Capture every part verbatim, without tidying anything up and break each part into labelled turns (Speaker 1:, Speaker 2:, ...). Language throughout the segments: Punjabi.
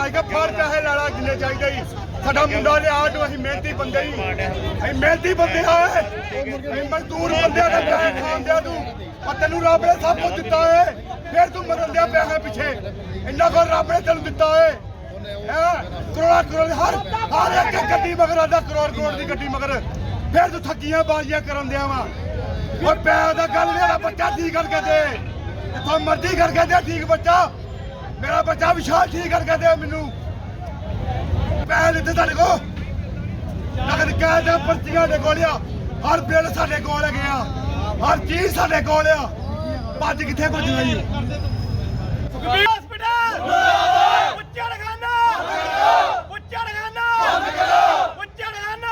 Speaker 1: ਮੈਂ ਕਿਹਾ ਫੜ ਪੈਸੇ ਲਾਲਾ ਜਿੰਨੇ ਚਾਹੀਦੇ ਹੀ ਸਾਡਾ ਮੁੰਡਾ ਲਿਆ ਨੂੰ ਅਸੀਂ ਮਿਹਨਤੀ ਬੰਦੇ ਹੀ ਅਸੀਂ ਮਿਹਨਤੀ ਬੰਦੇ ਆ ਅਸੀਂ ਮਜ਼ਦੂਰ ਬੰਦਿਆਂ ਦਾ ਪੈਸੇ ਖਾਂਦਿਆ ਤੂੰ ਆ ਤੈਨੂੰ ਰੱਬ ਨੇ ਸਭ ਕੁਝ ਦਿੱਤਾ ਏ ਫਿਰ ਤੂੰ ਮਰਨ ਦਿਆ ਪੈਸੇ ਪਿੱਛੇ ਇੰਨਾ ਕੋ ਰੱਬ ਨੇ ਤੈਨੂੰ ਦਿੱਤਾ ਏ ਕਰੋੜਾ ਕਰੋੜ ਹਰ ਹਰ ਇੱਕ ਗੱਡੀ ਮਗਰ ਆਦਾ ਕਰੋੜ ਕਰੋੜ ਦੀ ਗੱਡੀ ਮਗਰ ਫਿਰ ਤੂੰ ਠੱਗੀਆਂ ਬਾਜ਼ੀਆਂ ਕਰਨ ਦਿਆ ਵਾ ਉਹ ਪੈਸੇ ਦਾ ਗੱਲ ਮੇਰਾ ਬੱਚਾ ਠੀਕ ਕਰਕੇ ਦੇ ਜਿੱਥੋਂ ਮਰਜ਼ੀ ਕਰਕੇ ਦੇ ਠੀਕ ਬੱਚਾ ਮੇਰਾ ਬੱਚਾ ਵਿਸ਼ਾਲ ਠੀਕ ਕਰਕੇ ਦੇ ਮੈਨੂੰ ਪੈਸੇ ਦਿੱਤੇ ਤੁਹਾਡੇ ਕੋ ਨਗਦ ਕਹਿ ਦੇ ਪਰਚੀਆਂ ਦੇ ਕੋਲ ਆ ਹਰ ਬਿੱਲ ਸਾਡੇ ਕੋਲ ਹੈਗੇ ਆ ਹਰ ਚੀਜ਼ ਸਾਡੇ ਕੋਲ ਆ ਭੱਜ ਕਿੱਥੇ ਭੱਜਣਾ ਜੀ ਹਸਪੀਟਲ ਉੱਚਾ ਖਾਨਾ ਉੱਚਾ ਖਾਨਾ ਉੱਚਾ ਖਾਨਾ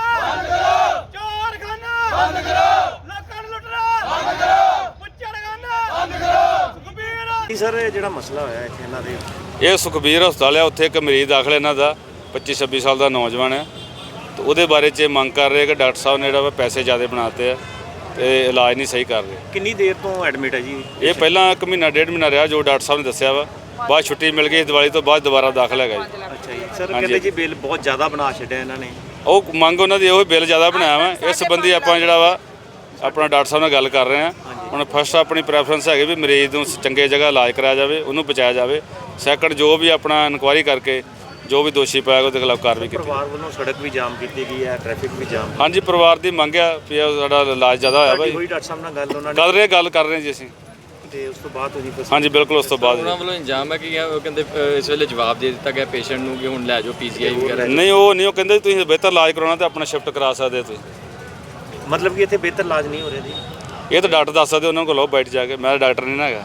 Speaker 1: ਚੋਰ ਖਾਨਾ ਬੰਦ ਕਰੋ ਲੋਕਾਂ ਨੂੰ ਲੁੱਟਣਾ ਬੰਦ ਕਰੋ ਉੱਚਾ ਖਾਨਾ ਬੰਦ ਕਰੋ ਸੁਖਬੀਰ
Speaker 2: ਸਰ ਜਿਹੜਾ ਮਸਲਾ ਹੋਇਆ ਇੱਥੇ ਇਹਨਾਂ ਦੇ
Speaker 3: ਇਹ ਸੁਖਬੀਰ ਹਸਪਤਾਲ ਹੈ ਉੱਥੇ ਇੱਕ ਮਰੀਜ਼ ਦਾਖਲ ਇਹਨਾਂ ਦਾ ਪੱਚੀ ਛੱਬੀ ਸਾਲ ਦਾ ਨੌਜਵਾਨ ਹੈ ਤੇ ਉਹਦੇ ਬਾਰੇ 'ਚ ਮੰਗ ਕਰ ਰਹੇ ਕਿ ਡਾਕਟਰ ਸਾਹਿਬ ਨੇ ਜਿਹੜਾ ਪੈਸੇ ਜ਼ਿਆਦਾ ਬਣਾਤੇ ਆ ਤੇ ਇਲਾਜ ਨਹੀਂ ਸਹੀ ਕਰ ਰਹੇ।
Speaker 2: ਕਿੰਨੀ ਦੇਰ ਤੋਂ ਐਡਮਿਟ ਹੈ ਜੀ
Speaker 3: ਇਹ ਪਹਿਲਾਂ ਇੱਕ ਮਹੀਨਾ ਡੇਢ ਮਹੀਨਾ ਰਿਹਾ ਜੋ ਡਾਕਟਰ ਸਾਹਿਬ ਨੇ ਦੱਸਿਆ ਵਾ ਬਾਅਦ ਛੁੱਟੀ ਮਿਲ ਗਈ ਦੀਵਾਲੀ ਤੋਂ ਬਾਅਦ ਦੁਬਾਰਾ ਦਾਖਲ ਹੈਗਾ ਜੀ।
Speaker 2: ਅੱਛਾ ਜੀ ਸਰ ਕਹਿੰਦੇ ਜੀ ਬਿੱਲ ਬਹੁਤ ਜ਼ਿਆਦਾ ਬਣਾ ਛੱਡਿਆ ਇਹਨਾਂ ਨੇ
Speaker 3: ਉਹ ਮੰਗ ਉਹਨਾਂ ਦੀ ਉਹ ਬਿੱਲ ਜ਼ਿਆਦਾ ਬਣਾਇਆ ਵਾ ਇਸ ਸੰਬੰਧੀ ਆਪਾਂ ਜਿਹੜਾ ਵਾ ਆਪਣਾ ਡਾਕਟਰ ਸਾਹਿਬ ਨਾਲ ਗੱਲ ਕਰ ਰਹੇ ਹਾਂ। ਹੁਣ ਫਸਟ ਆਪਣੀ ਪ੍ਰੈਫਰੈਂਸ ਹੈਗੀ ਵੀ ਮਰੀਜ਼ ਨੂੰ ਚੰਗੇ ਜਗ੍ਹਾ ਇਲਾਜ ਕਰਾਇਆ ਜਾਵੇ ਉਹਨੂੰ ਬਚਾਇਆ ਜਾਵੇ ਸੈਕੰਡ ਜੋ ਵੀ ਆਪਣਾ ਇਨਕੁਆਇਰੀ ਕਰਕੇ ਜੋ ਵੀ ਦੋਸ਼ੀ ਪਾਇਆ ਉਹਦੇ ਖਿਲਾਫ ਕਾਰਵਾਈ ਕੀਤੀ।
Speaker 2: ਪਰਿਵਾਰ ਵੱਲੋਂ ਸੜਕ ਵੀ ਜਾਮ ਕੀਤੀ ਗਈ ਹੈ ਟ੍ਰੈਫਿਕ ਵੀ ਜਾਮ
Speaker 3: ਹਾਂਜੀ ਪਰਿਵਾਰ ਦੀ ਮੰਗ ਆ ਵੀ ਸਾਡਾ ਇਲਾਜ ਜ਼ਿਆਦਾ ਹੋਇਆ ਭਾਈ
Speaker 2: ਕੋਈ ਡਾਕਟਰ ਸਾਹਿਬ ਨਾਲ ਗੱਲ ਉਹਨਾਂ ਨੇ
Speaker 3: ਕਰ ਰਹੇ ਗੱਲ ਕਰ ਰਹੇ ਜੀ ਅਸੀਂ
Speaker 2: ਤੇ ਉਸ ਤੋਂ ਬਾਅਦ ਤੁਸੀਂ
Speaker 3: ਹਾਂਜੀ ਬਿਲਕੁਲ ਉਸ ਤੋਂ ਬਾਅਦ
Speaker 4: ਉਹਨਾਂ ਵੱਲੋਂ ਇੰਜਾਮ ਹੈ ਕਿ ਉਹ ਕਹਿੰਦੇ ਇਸ ਵੇਲੇ ਜਵਾਬ ਦੇ ਦਿੱਤਾ ਗਿਆ ਪੇਸ਼ੈਂਟ ਨੂੰ ਕਿ ਹੁਣ ਲੈ ਜਾਓ ਪੀਜੀਆਈ ਵਗੈਰਾ
Speaker 3: ਨਹੀਂ ਉਹ ਨਹੀਂ ਉਹ ਕਹਿੰਦੇ ਤੁਸੀਂ ਬਿਹਤਰ ਇਲਾਜ ਕਰਾਉਣਾ ਤੇ ਆਪਣਾ ਸ਼ਿਫਟ ਕਰਾ ਸਕਦੇ ਤੁਸੀਂ
Speaker 2: ਮਤਲਬ ਕਿ ਇੱਥੇ ਬਿਹਤਰ ਇਲਾਜ ਨਹੀਂ ਹੋ ਰਿਹਾ ਜੀ
Speaker 3: ਇਹ ਤਾਂ ਡਾਕਟਰ ਦੱਸ ਸਕਦੇ ਉਹਨਾਂ ਕੋਲ ਬੈਠ ਜਾ ਕੇ ਮੈਂ ਡਾਕਟਰ ਨਹੀਂ ਨਾ ਹੈਗਾ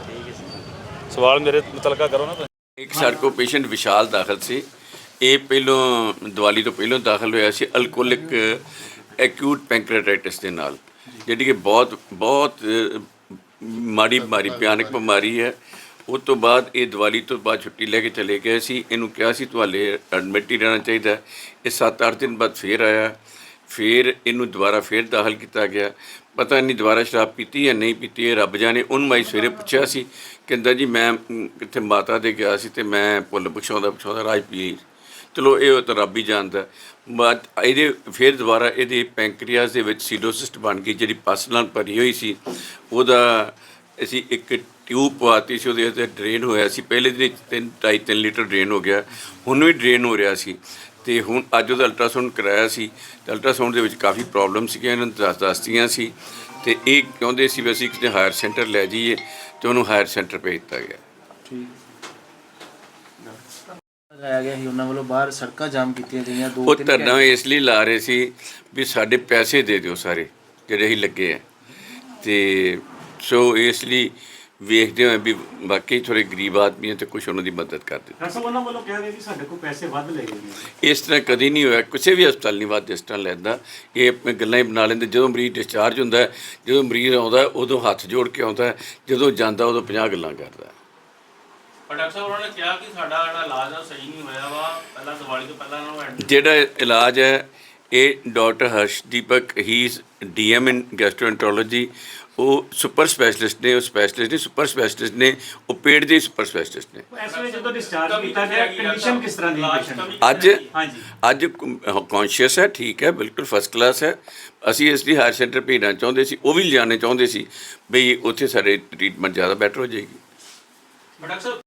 Speaker 3: ਸਵਾਲ ਮੇਰੇ ਮੁਤਲਕਾ ਕਰੋ ਨਾ ਤੁਸੀਂ।
Speaker 5: ਇੱਕ ਸਾਡੇ ਕੋਲ ਪੇਸ਼ੈਂਟ ਵਿਸ਼ਾਲ ਦਾਖਲ ਸੀ ਇਹ ਪਹਿਲੋਂ ਦੀਵਾਲੀ ਤੋਂ ਪਹਿਲੋਂ ਦਾਖਲ ਹੋਇਆ ਸੀ ਅਲਕੋਹਲਿਕ ਐਕਿਊਟ ਪੈਂਕ੍ਰੀਆਟਾਈਟਿਸ ਦੇ ਨਾਲ ਜਿਹੜੀ ਕਿ ਬਹੁਤ ਬਹੁਤ ਮਾੜੀ ਬਿਮਾਰੀ ਭਿਆਨਕ ਬਿਮਾਰੀ ਹੈ। ਉਸ ਤੋਂ ਬਾਅਦ ਇਹ ਦੀਵਾਲੀ ਤੋਂ ਬਾਅਦ ਛੁੱਟੀ ਲੈ ਕੇ ਚਲੇ ਗਏ ਸੀ ਇਹਨੂੰ ਕਿਹਾ ਸੀ ਤੁਹਾਡੇ ਐਡਮਿਟ ਹੀ ਰਹਿਣਾ ਚਾਹੀਦਾ ਇਹ ਸੱਤ ਅੱਠ ਦਿਨ ਬਾਅਦ ਫੇਰ ਆਇਆ ਫਿਰ ਇਹਨੂੰ ਦੁਬਾਰਾ ਫੇਰ ਦਾਖਲ ਕੀਤਾ ਗਿਆ ਪਤਾ ਨਹੀਂ ਦੁਬਾਰਾ ਸ਼ਰਾਬ ਪੀਤੀ ਜਾਂ ਨਹੀਂ ਪੀਤੀ ਇਹ ਰੱਬ ਜਾਣੇ ਉਹਨੂੰ ਮੈਂ ਸਵੇਰੇ ਪੁੱਛਿਆ ਸੀ ਕਹਿੰਦਾ ਜੀ ਮੈਂ ਕਿੱਥੇ ਮਾਤਾ ਦੇ ਗਿਆ ਸੀ ਤੇ ਮੈਂ ਭੁੱਲ ਪੁੱਛਾਉਂਦਾ ਪੁੱਛਾਉਂਦਾ ਰਾਜ ਪੀ ਚਲੋ ਇਹ ਤਾਂ ਰੱਬ ਹੀ ਜਾਣਦਾ ਬਟ ਇਹਦੇ ਫਿਰ ਦੁਬਾਰਾ ਇਹਦੇ ਪੈਂਕਰੀਆਸ ਦੇ ਵਿੱਚ ਸੀਡੋਸਿਸਟ ਬਣ ਗਈ ਜਿਹੜੀ ਪਸ ਨਾਲ ਭਰੀ ਹੋਈ ਸੀ ਉਹਦਾ ਅਸੀਂ ਇੱਕ ਟਿਊਬ ਪਵਾਤੀ ਸੀ ਉਹਦੇ ਉੱਤੇ ਡਰੇਨ ਹੋਇਆ ਸੀ ਪਹਿਲੇ ਦਿਨ ਤਿੰਨ ਢਾਈ ਤਿੰਨ ਲੀਟਰ ਡਰੇਨ ਹੋ ਗਿਆ ਹੁਣ ਵੀ ਡਰੇਨ ਹੋ ਰਿਹਾ ਸੀ ਤੇ ਹੁਣ ਅੱਜ ਉਹਦਾ ਅਲਟਰਾਸਾਊਂਡ ਕਰਾਇਆ ਸੀ ਤੇ ਅਲਟਰਾਸਾਊਂਡ ਦੇ ਵਿੱਚ ਕਾਫੀ ਪ੍ਰੋਬਲਮ ਸੀਗੀਆਂ ਇਹਨਾਂ ਨੂੰ ਦੱਸ ਦੱਸਦੀਆਂ ਸੀ ਤੇ ਇਹ ਚਾਹੁੰਦੇ ਸੀ ਵੀ ਅਸੀਂ ਕਿਸੇ ਹਾਇਰ ਸੈਂਟਰ ਲੈ ਜਾਈਏ ਤੇ ਉਹਨੂੰ ਹਾਇਰ ਸੈਂਟਰ ਭੇਜ ਦਿੱਤਾ ਗਿਆ।
Speaker 6: ਲਗਾਇਆ ਗਿਆ ਸੀ ਉਹਨਾਂ ਵੱਲੋਂ ਬਾਹਰ ਸੜਕਾਂ ਜਾਮ ਕੀਤੀਆਂ ਗਈਆਂ ਦੋ
Speaker 5: ਉਹ ਧਰਨਾ ਇਸ ਲਈ ਲਾ ਰਹੇ ਸੀ ਵੀ ਸਾਡੇ ਪੈਸੇ ਦੇ ਦਿਓ ਸਾਰੇ ਜਿਹੜੇ ਅਸੀਂ ਲੱਗੇ ਆ ਤੇ ਸੋ ਇਸ ਲਈ ਵੇਖਦੇ ਹੋਏ ਵੀ ਬਾਕੀ ਥੋੜੇ ਗਰੀਬ ਆਦਮੀ ਹੈ ਤੇ ਕੁਝ ਉਹਨਾਂ ਦੀ ਮਦਦ ਕਰ ਦਿੱਤੀ।
Speaker 2: ਸਰ ਉਹਨਾਂ ਵੱਲੋਂ ਕਹਿ ਰਹੇ ਕਿ ਸਾਡੇ ਕੋਲ ਪੈਸੇ ਵੱਧ ਲੈ ਗਏ
Speaker 5: ਇਸ ਤਰ੍ਹਾਂ ਕਦੀ ਨਹੀਂ ਹੋਇਆ ਕਿਸੇ ਵੀ ਹਸਪਤਾਲ ਨਹੀਂ ਵੱਧ ਇਸ ਤਰ੍ਹਾਂ ਲੈਂਦਾ ਇਹ ਆਪਣੇ ਗੱਲਾਂ ਹੀ ਬਣਾ ਲੈਂਦੇ ਜਦੋਂ ਮਰੀਜ਼ ਡਿਸਚਾਰਜ ਹੁੰਦਾ ਜਦੋਂ ਮਰੀਜ਼ ਆਉਂਦਾ ਉਦੋਂ ਹੱਥ ਜੋੜ ਕੇ ਆਉਂਦਾ ਜਦੋਂ ਜਾਂਦਾ ਉਦੋਂ ਪੰਜਾਹ ਗੱਲਾਂ ਕਰਦਾ।
Speaker 7: ਪਰ ਡਾਕਟਰ ਸਾਹਿਬ ਉਹਨਾਂ ਨੇ ਕਿਹਾ ਕਿ ਸਾਡਾ ਜਿਹੜਾ ਇਲਾਜ ਆ ਸਹੀ ਨਹੀਂ ਹੋਇਆ ਵਾ ਪਹਿਲਾਂ ਦੀਵਾਲੀ ਤੋਂ ਪਹਿਲਾਂ ਉਹਨਾਂ ਨੂੰ
Speaker 5: ਜਿਹੜਾ ਇਲਾਜ ਹੈ ਇਹ doctor Harshdeepak he is D M in gastroenterology ਉਹ ਸੁਪਰ ਸਪੈਸ਼ਲਿਸਟ ਨੇ ਉਹ ਸਪੈਸ਼ਲਿਸਟ ਨੇ ਸੁਪਰ ਸਪੈਸ਼ਲਿਸਟ ਨੇ ਉਹ ਪੇਟ ਦੇ ਸੁਪਰ ਸਪੈਸ਼ਲਿਸਟ ਨੇ।
Speaker 2: ਇਸ ਵੇਲੇ ਜਦੋਂ ਡਿਸਚਾਰਜ ਕੀਤਾ ਗਿਆ ਕੰਡੀਸ਼ਨ ਕਿਸ ਤਰ੍ਹਾਂ ਦੀ ਪੇਸ਼ੈਂਟ
Speaker 5: ਅੱਜ
Speaker 2: ਹਾਂਜੀ
Speaker 5: ਅੱਜ ਕੌਨਸ਼ੀਅਸ ਹੈ ਠੀਕ ਹੈ ਬਿਲਕੁਲ ਫਸਟ ਕਲਾਸ ਹੈ ਅਸੀਂ ਇਸ ਲਈ ਹਾਇਰ ਸੈਂਟਰ ਭੇਜਣਾ ਚਾਹੁੰਦੇ ਸੀ ਉਹ ਵੀ ਲਿਜਾਣੇ ਚਾਹੁੰਦੇ ਸੀ ਬਈ ਉੱਥੇ ਸਾਡੇ ਟ੍ਰੀਟਮੈਂਟ ਜ਼ਿਆਦਾ ਬੈਟਰ ਹੋ ਜਾਏਗੀ।
Speaker 7: ਡਾਕਟਰ ਸਾਹਿਬ